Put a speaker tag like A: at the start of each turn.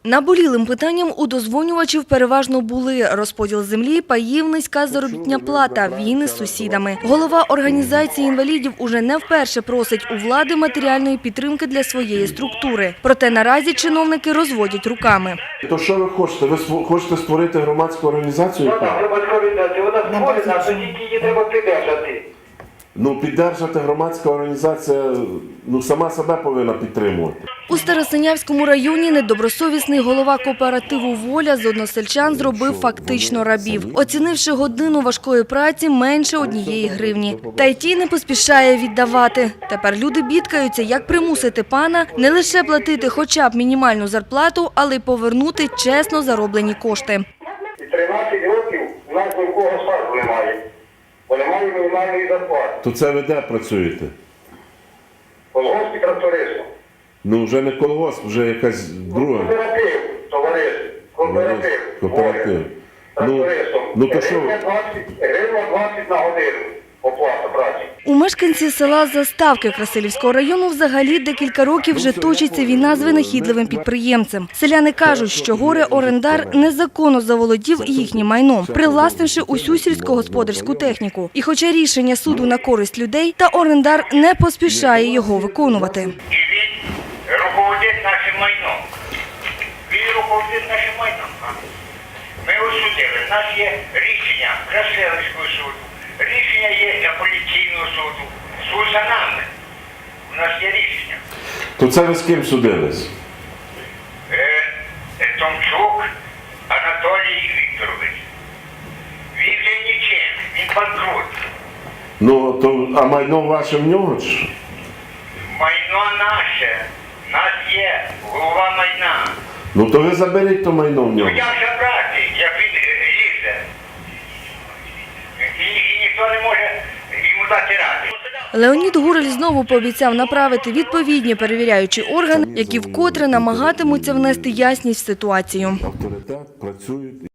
A: Наболілим питанням у дозвонювачів переважно були розподіл землі, паїв, низька заробітна плата, війни з сусідами. Голова організації інвалідів уже не вперше просить у влади матеріальної підтримки для своєї структури. Проте наразі чиновники розводять руками.
B: То що ви хочете? Ви хочете створити громадську організацію?
C: Так, громадська організація, вона створена, то тільки її треба придержати.
B: Піддержати громадська організація, сама себе повинна підтримувати.
A: У Старосинявському районі недобросовісний голова кооперативу «Воля» з односельчан зробив фактично рабів, оцінивши годину важкої праці менше 1 гривні. Та й ті не поспішає віддавати. Тепер люди бідкаються, як примусити пана не лише платити хоча б мінімальну зарплату, але й повернути чесно зароблені кошти.
C: 13 років у нас нікого стажу немає, бо немає мінімальної зарплати.
B: То це ви де працюєте?
C: Колгосп і трактористом.
B: Вже не колгосп, вже якась друга.
C: Кооператив, товариш, кооператив.
B: Кооператив.
C: Трактористом.
B: То що?
C: Гривня 20 на годину оплата праці.
A: У мешканці села Заставки Красилівського району взагалі декілька років вже точиться війна з винахідливим підприємцем. Селяни кажуть, що горе-орендар незаконно заволодів їхнім майном, привласнивши усю сільськогосподарську техніку. І хоча рішення суду на користь людей, та орендар не поспішає його виконувати.
D: І він руководить нашим майном. Він руководить нашим майном. Ми осудили. У нас є рішення Красилівського суду. Рішення є апеляційного суду. Суд за нами. У нас є рішення.
B: То це ви з ким судились?
D: Томчук Анатолій Вікторович. Він вже нічим. Він банкрут.
B: А майно ваше в нього?
D: Майно наше. У нас є голова майна.
B: То ви заберіть то майно в нього.
D: Як забрати, як він лізе? І ніхто не може йому дати ради.
A: Леонід Гурель знову пообіцяв направити відповідні перевіряючі органи, які вкотре намагатимуться внести ясність в ситуацію.
B: Авторитет, працюють.